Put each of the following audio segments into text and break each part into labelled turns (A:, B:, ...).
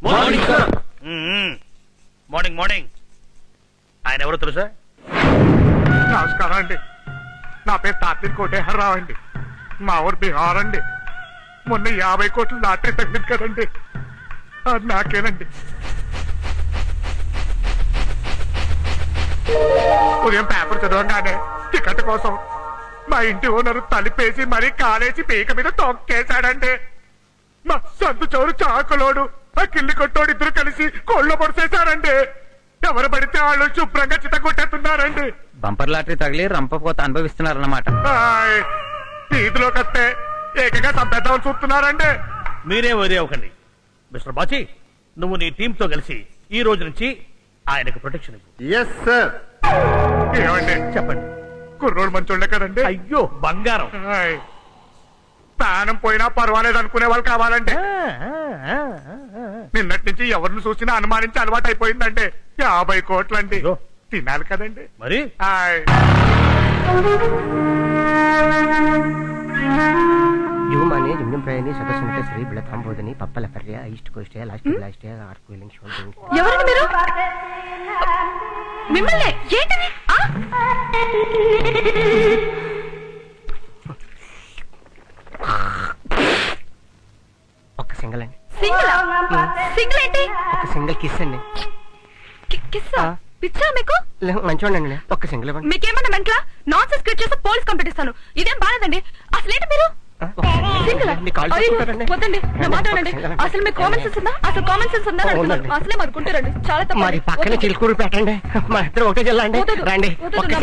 A: Morning sir.
B: Morning morning. ఆయన ఎవరో తెలుసా?
C: నమస్కారం అండి, నా పేరు తాత్విక్ కోటేశ్వరరావు అండి. మా ఊరు బీహార్ అండి. మొన్న 50 కోట్లు లాటరీ తగ్గింది కదండి, అది నాకేనండి. ఉదయం పేపర్ చదవగానే టికెట్ కోసం మా ఇంటి ఓనర్ తలిపేసి మరీ కాలేసి పీక మీద తొక్కేశాడండి. మా సందు చౌరు చాకలోడు ఆ కిల్లి కొట్టోడు ఇద్దరు కలిసి కోళ్ళ పొడిసేశారండి. ఎవరు పడితే వాళ్ళు శుభ్రంగా చిత కొట్టేస్తున్నారండి.
A: బంపర్ లాటరీ తగిలి రంపపోత అనుభవిస్తున్నారన్నమాట.
C: వీధిలోకి వస్తే ఏకంగా చంపేద్దామని చూస్తున్నారండి.
B: మీరే వరి అవ్వకండి మిస్టర్ బాచి. నువ్వు నీ టీమ్ తో కలిసి ఈ రోజు నుంచి ఆయనకు ప్రొటెక్షన్ ఇవ్వు.
C: Yes sir. ఏమండి
B: చెప్పండి.
C: కుర్రోడు మంచోళ్ళే కదండి.
B: అయ్యో బంగారం.
C: ప్రాణం పోయినా పర్వాలేదు అనుకునే వాళ్ళు కావాలండి. నిన్నటి నుంచి ఎవరిని చూసినా అనుమానించి అలవాటు అయిపోయిందండి. 50 కోట్లండి.
B: అయ్యో.
C: తినాలి కదండి.
B: మరి
D: యువమానే లింగం ప్రయాణి సదస్సుని బిళతాం బోధని పప్పల పర్య east coast last last art cooling show.
E: ఎవరండి మీరు? మిమ్మల్ని ఏంటది?
D: ఒక్క సింగల్ అండి.
E: సింగిల్ ఏంటి?
D: ఒక్క సింగల్ కిస్ అండి.
E: కిస్సా? పిచ్చా మీకు?
D: మంచివాడండి, ఒక్క సింగల్ ఇవ్వండి.
E: మీకేమన్నా మెంట్లా? నాన్సెన్స్ క్రియేట్ చేస్తే పోలీస్ కంప్లైంట్ ఇస్తాను. ఇదేం బాలేదండి. అసలేంటి మీరు? సింగిల్? వద్దండి, నా మాట వినండి. అసలు మీకు కామన్ సెన్స్ ఉందా? అసలు కామన్ సెన్స్ ఉందా? అసలే మనుకుంటారండి. చాలా తప్ప.
D: మరి పక్కన చిలుకూరు పెట్టండి, మా ఇద్దరు ఒకటే జిల్లా అండి. రండి.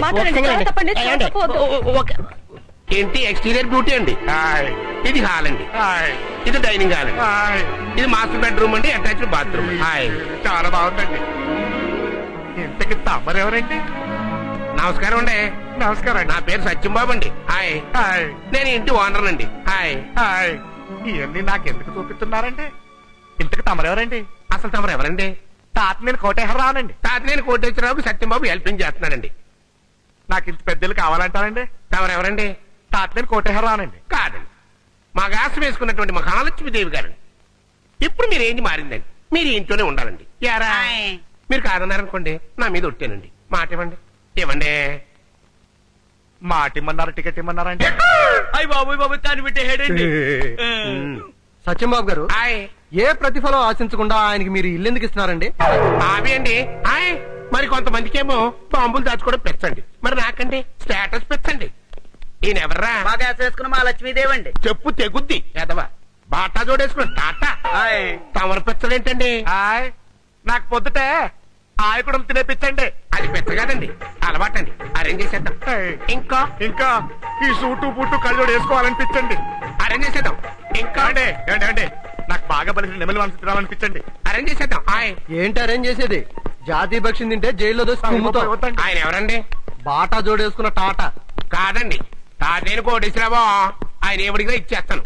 F: ఏంటి ఎక్స్టీరియర్ బ్యూటీ అండి? ఇది హాల్ అండి, ఇది డైనింగ్ హాల్ అండి, ఇది మాస్టర్ బెడ్రూమ్ అండి, అటాచ్డ్ బాత్రూమ్.
C: చాలా బాగుందండి. ఇంతకి తమరెవరండి?
F: నమస్కారం అండి.
C: నమస్కారం
F: నా పేరు సత్యంబాబు అండి. హాయ్.
C: హాయ్.
F: నేను ఇంటి ఓనర్ అండి. హాయ్.
C: హాయ్. ఇవన్నీ నాకెందుకు చూపిస్తున్నారండి? ఇంతకి తమరెవరండి?
F: అసలు తమరు ఎవరండి?
C: తాత నేను కోటేశ్వరరావునండి.
F: తాతినేని కోటేశ్వరరావుకి సత్యంబాబు హెల్పింగ్ చేస్తున్నానండి.
C: నాకు ఇంత పెద్దలు కావాలంటారండి.
F: తమరు ఎవరండి?
C: తాత నేను కోటేశ్వరరావునండి.
F: కాదండి, మా గాసం వేసుకున్నటువంటి మహాలక్ష్మీదేవి గారండి. ఇప్పుడు మీరు ఏంటి మారిందండి, మీరు ఇంట్లోనే ఉండాలండి. యారా మీరు కాదన్నారనుకోండి, నా మీద ఒట్టేనండి. మాట ఇవ్వండి. ఇవ్వండి.
C: మాట ఇమ్మన్నారు, టికెట్ ఇమ్మన్నారండి.
B: అయ్యి బాబు బాబు తాను పెట్టే హెడ్ అండి.
D: సత్యంబాబు గారు,
F: హాయ్.
D: ఏ ప్రతిఫలం ఆశించకుండా ఆయనకి మీరు ఇల్లు ఎందుకు ఇస్తున్నారండి?
F: అవి అండి. హాయ్. మరి కొంతమందికేమో బాంబులు దాచుకోవడం పెంచండి, మరి నాకండి స్టేటస్ పెంచండి. ఈయన ఎవర్రా?
A: బాగా వేసుకున్న మా లక్ష్మీదేవి అండి.
F: చెప్పు తెగుద్ది ఎదవా. బాటా జోడేసుకుని టాటా. తమరు పెంచలేంటండి?
C: హాయ్. నాకు పొద్దుటే ఆయకుడం తినేపించండి.
F: అది పెద్ద కాదండి, అలవాటండి. అరేంజ్ చేసేద్దాం. ఇంకా
C: ఇంకా ఈ సూటు బూటు కళ్ళజోడు వేసుకోవాలనిపించండి.
F: అరేంజ్ చేసేద్దాం. ఇంకా
C: అండి ఏంటి అండి, నాకు బాగా బలిసిన నెమలి మనసు తినాలనిపించండి.
F: అరేంజ్ చేసేద్దాం. హాయ్.
D: ఏంటి అరేంజ్ చేసేది? జాతీయ పక్షిని తింటే జైల్లో దోసి కుమ్ముతాం.
C: వద్దండి.
F: ఆయన ఎవరండి?
D: బాటా జోడేసుకున్న టాటా.
F: కాదండి, తాతేను కోటేశ్వరరావు. ఆయన ఏమిడిగా ఇచ్చేస్తాను.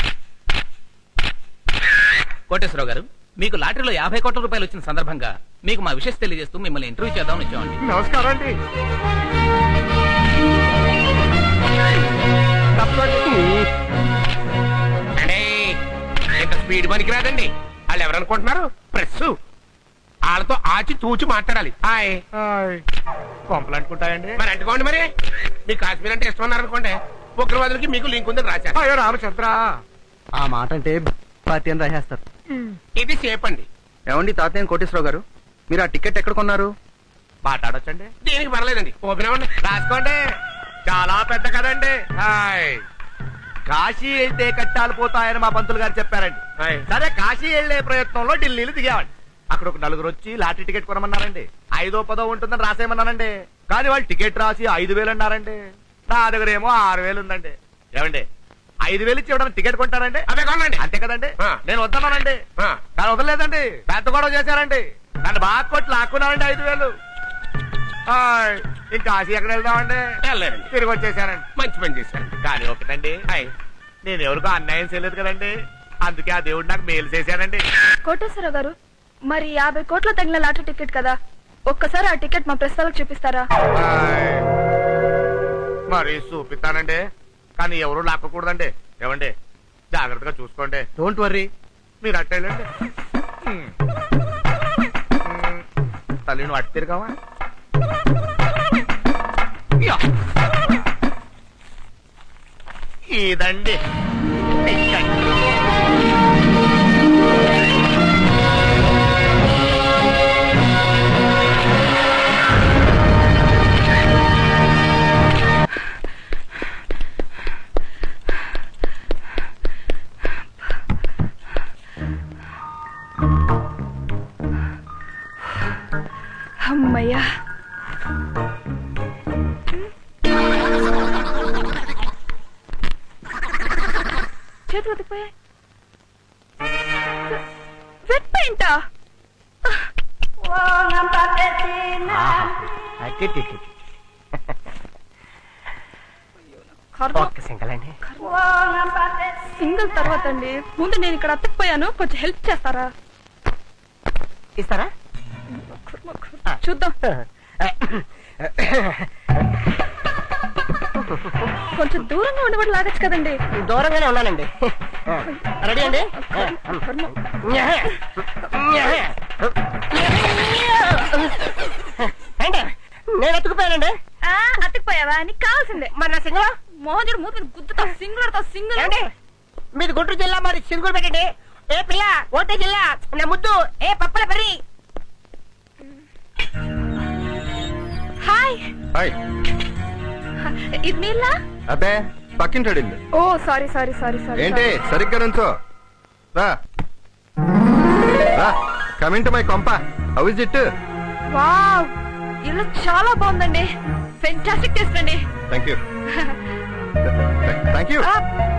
A: కోటేశ్వరరావు గారు, మీకు లాటరీలో 50 కోట్ల రూపాయలు వచ్చిన సందర్భంగా మీకు మా విషయం తెలియజేస్తూ మిమ్మల్ని ఇంటర్వ్యూ చేద్దామని వచ్చామండి.
C: నమస్కారం అండి.
F: అంటే ఇంత స్పీడ్ పనికి రాదండి. వాళ్ళు ఎవరనుకుంటున్నారు? ప్రెస్. వాళ్ళతో ఆచి తూచి మాట్లాడాలి. హాయ్.
C: పంపలు అంటుకుంటాయండి.
F: మరి అంటుకోండి. మరి మీకు కాశ్మీర్ అంటే ఇష్టం ఉన్నారనుకోండి, ఉగ్రవాదులకి మీకు లింక్ ఉందని రాశారు.
C: అయ్యో రామచంద్ర,
D: ఆ మాట అంటే పార్టీ అని రాసేస్తారు.
F: ఇది సేఫ్ అండి.
D: ఏమండి తాతయ్య కోటేశ్వరరావు గారు, మీరు ఆ టికెట్ ఎక్కడ కొన్నారు?
C: మాట్లాడొచ్చండి.
F: దీనికి పర్లేదండి, ఓపెన్ అవ్వండి.
C: రాసుకోండి. చాలా పెద్ద కదండి. హాయ్. కాశీ వెళ్తే కట్టాలు పోతాయని మా పంతులు గారు చెప్పారండి.
F: హాయ్.
C: సరే కాశీ వెళ్లే ప్రయత్నంలో ఢిల్లీలో దిగామండి. అక్కడ ఒక నలుగురు వచ్చి లాటరీ టికెట్ కొనమన్నారండి. 5దో 10దో ఉంటుందని రాసేయమన్నానండి. కానీ వాళ్ళు టికెట్ రాసి 5,000 అన్నారండి. నా దగ్గర ఏమో 6,000 ఉందండి. ఏమండి 5,000 ఇచ్చి ఇవ్వడానికి టికెట్ కొంటారండి?
F: అదే కొనండి.
C: అంతే కదండి.
F: ఆ.
C: నేను వద్దన్నానండి.
F: ఆ.
C: కానీ వదలలేదండి, పెద్ద గొడవ చేశారండి. నన్ను బాగా కొట్టి లాక్కున్నారండి 5,000. ఇంకా కాశీ ఎక్కడ వెళ్దామండి?
F: వెళ్ళారండి.
C: తిరిగి వచ్చేసానండి.
F: మంచి పని చేశారండి.
C: కానీ ఒకటండి,
F: హాయ్.
C: నేను ఎవరికో అన్యాయం చేయలేదు కదండి, అందుకే ఆ దేవుడు నాకు మేలు చేశానండి.
E: కోటేశ్వరరావు గారు, మరి 50 కోట్ల తగిన లాటరీ టికెట్ కదా, ఒక్కసారి ఆ టికెట్ మా ప్రెస్ వాళ్ళకి చూపిస్తారా?
C: మరి చూపిస్తానండి, కానీ ఎవరు లాక్కకూడదండి. ఏమండి జాగ్రత్తగా చూసుకోండి.
D: Don't worry.
C: మీరు అట్టేళ్ళండి. తల్లి నువ్వు అట్టు తిరగావా ఇదండి
E: అమ్మయ్యా. చేతులు ఉతికిపోయాయి. వెట్ పెయింటా?
D: ఒక్క సింగల్ అండి.
E: సింగిల్ తర్వాత అండి, ముందు నేను ఇక్కడ అత్తకపోయాను, కొంచెం హెల్ప్ చేస్తారా?
D: ఇస్తారా?
E: చూద్దాం. కొంచెం దూరంగా ఉండబడి లాగచ్చు కదండి.
D: దూరంగానే ఉన్నానండి. రెడీ అండి? అంటే నేను ఎత్తుకుపోయానండి.
E: అత్తకపోయావా? నీకు కావాల్సిందే.
D: మరి నా సింగల్
E: మోహన్ మూతి గుద్దుతా. సింగులతో సింగుల్
D: ఏంటి? మీది గుంటూరు జిల్లా, మరి సింగులు పెట్టండి. ఏ పిల్ల ఓటే జిల్లా, నా ముద్దు ఏ పప్పల పరి.
E: హాయ్.
G: హాయ్.
E: ఇది మీలా?
G: అబ్బే పక్కింటాడు ఇల్లు.
E: ఓ సారీ సారీ సారీ సారీ.
G: ఏంటి సరిగ్గా నుంచో. రా రా, కమింగ్ టు మై కొంప. How is it?
E: వావ్, ఇల్లు చాలా బాగుందండి. ఫెంటాస్టిక్ టేస్ట్ అండి.
G: Thank you thank you.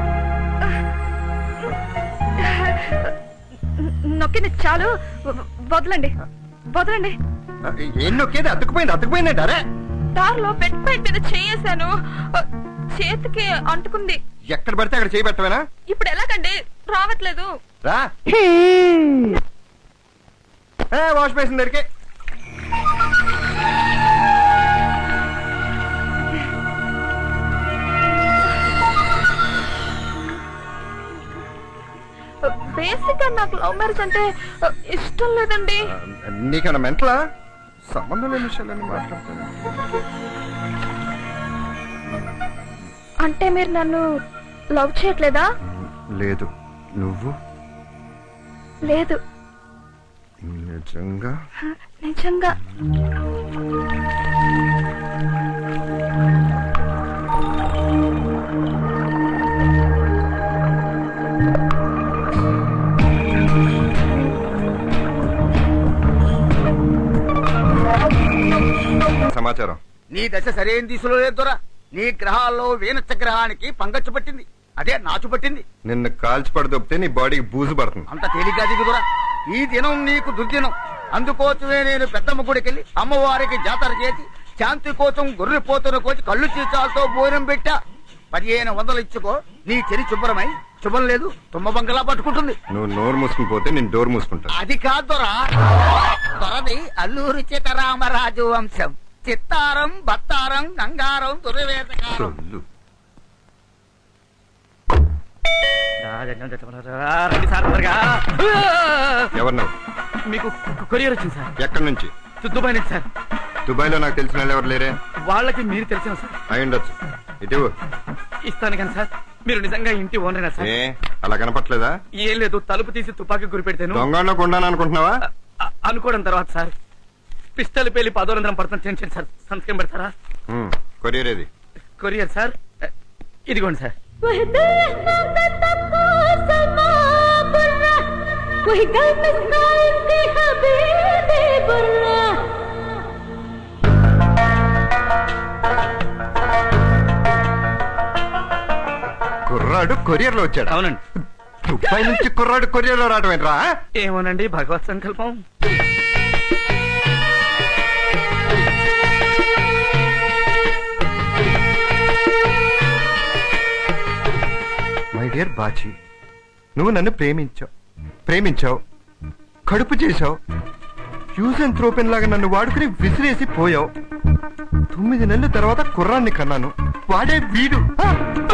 E: నొక్కింది చాలు, వదలండి వదలండి.
G: ఏం నొక్కేది? అతుకుపోయింది అరే.
E: దారిలో బెడ్ పైప్ మీద చేయేశాను, చేతికి అంటుకుంది.
G: ఎక్కడ పడితే అక్కడ చేయి పెట్టవేనా?
E: ఇప్పుడు ఎలాగండి? రావట్లేదు.
G: రా వాష్ బేసిన్ దగ్గరికి.
E: బేసిక్ గా నాకు లవ్ మ్యారేజ్ అంటే ఇష్టం లేదండి.
G: నీకన్నా మెంటలా? సంబంధం లేని విషయాలన్నీ మాట్లాడతాను.
E: అంటే మీరు నన్ను లవ్ చేయట్లేదా?
G: లేదు. నువ్వు?
E: లేదు.
G: నిజంగా?
E: నిజంగా.
G: సమాచారం.
H: నీ దశ సరైన దిశలో లేదు దొరా. నీ గ్రహాల్లో వీనచ్చ గ్రహానికి పంగచ్చు పట్టింది, అదే నాచు పట్టింది.
G: నిన్ను కాల్చి పడదొప్పితే నీ బాడీకి బూజు పడుతుంది.
H: అంత తేలిగ్గా దిగుదొరా. ఈ దినం నీకు దుర్దినం. అందుకోసమే నేను పెద్దమ్మ గుడికెళ్ళి అమ్మవారికి జాతర చేసి శాంతి కోసం గొర్రెపోతున్న కోచి కళ్ళు చీచాలతో భోజనం పెట్టా. 1500 ఇచ్చుకో, నీ చెరి శుభ్రమై. శుభం లేదు తుమ్మ బంగలా పట్టుకుంటుంది.
G: నువ్వు నోరు మూసుకుని పోతే నేను డోర్ మూసుకుంటా.
H: అది కాదు దొరా. దొరది అల్లూరి సీతారామరాజు వంశం. చిత్తారం, బత్తారం, గంగారం, దుర్వేదకారం.
G: సొల్లు. ఎవరు నువ్వు?
A: మీకు కొరియర్ వచ్చింది సార్.
G: ఎక్కడి నుంచి?
A: దుబాయ్ నుంచి సార్.
G: దుబాయ్ లో నాకు తెలిసిన వాళ్ళు ఎవరు లేరే?
A: వాళ్ళకి మీరు తెలిసిన సార్.
G: అయి ఉండొచ్చు. ఇటు
A: ఇస్తాను కానీ సార్, మీరు నిజంగా ఇంటి ఓనరేనా సార్?
G: ఏ అలా కనపట్లేదా?
A: ఏం లేదు, తలుపు తీసి తుపాకీ గురిపెడితేను
G: దొంగలో కొండాను అనుకుంటున్నావా?
A: అనుకోవడం తర్వాత సార్ పిస్టల్ పేలి 10 పడుతున్న టెన్షన్ సార్. సంతకం పెడతారా?
G: కొరియర్ ఏది?
A: కొరియర్ సార్, ఇదిగోండి సార్.
G: కుర్రాడు కొరియర్ లో వచ్చాడు.
A: అవునండి.
G: దుబాయ్ నుంచి కుర్రాడు కొరియర్ లో రావడం ఏంట్రా?
A: ఏమోనండి, భగవత్ సంకల్పం.
G: మై డియర్ బాచి, నువ్వు నన్ను ప్రేమించావు, కడుపు చేశావు, యూజ్ అండ్ త్రోపెన్ లాగా నన్ను వాడుకుని విసిరేసి పోయావు. 9 నెలల తర్వాత కుర్రాన్ని కన్నాను, వాడే వీడు.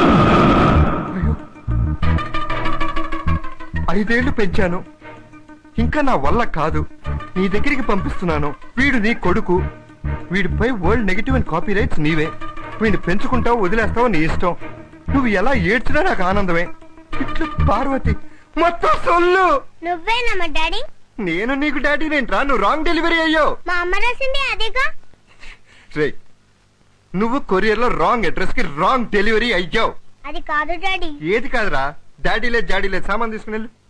G: అయ్యో. 5 ఏళ్లు పెంచాను, ఇంకా నా వల్ల కాదు. నీ దగ్గరికి పంపిస్తున్నాను. వీడు నీ కొడుకు. వీడిపై world negative and copyrights నీవే. వీడిని పెంచుకుంటావు, వదిలేస్తావు, నీ ఇష్టం. నువ్వు ఎలా ఏడ్చినా నాకు ఆనందమే. ఇట్లు పార్వతి మొత్తం సొల్లు.
I: నువ్వేనమ్మా డాడీ?
G: నేను నీకు డాడీనేంట్రా? నువ్వు రాంగ్ డెలివరీ అయ్యో.
I: మా అమ్మ రాసింది అదేగా.
G: రే, నువ్వు కొరియర్ లో రాంగ్ అడ్రస్ కి రాంగ్ డెలివరీ అయ్యావు.
I: అది కాదు డాడీ.
G: ఏది కాదురా? డాడీ లేదు, జాడీ లేదు. సామాన్ తీసుకుని వెళ్ళు.